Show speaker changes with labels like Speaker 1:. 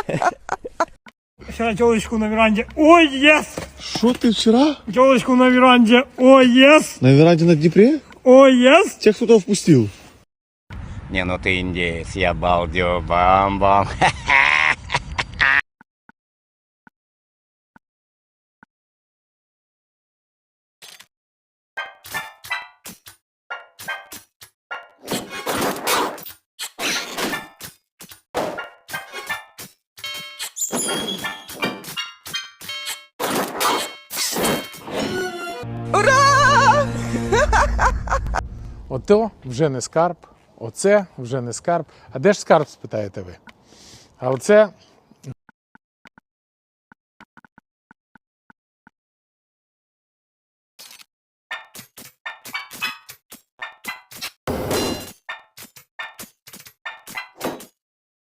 Speaker 1: Вчера телочку на веранде. Ой, ес!
Speaker 2: Что ты вчера?
Speaker 1: Телочку на веранде. Ой, ес!
Speaker 2: На веранде на Днепре?
Speaker 1: Ой, ес!
Speaker 2: Тех, кто туда впустил.
Speaker 3: Не, ну ты индеец, я балдю, бам-бам.
Speaker 4: Ото вже не скарб, оце вже не скарб. А де ж скарб, спитаєте ви? А оце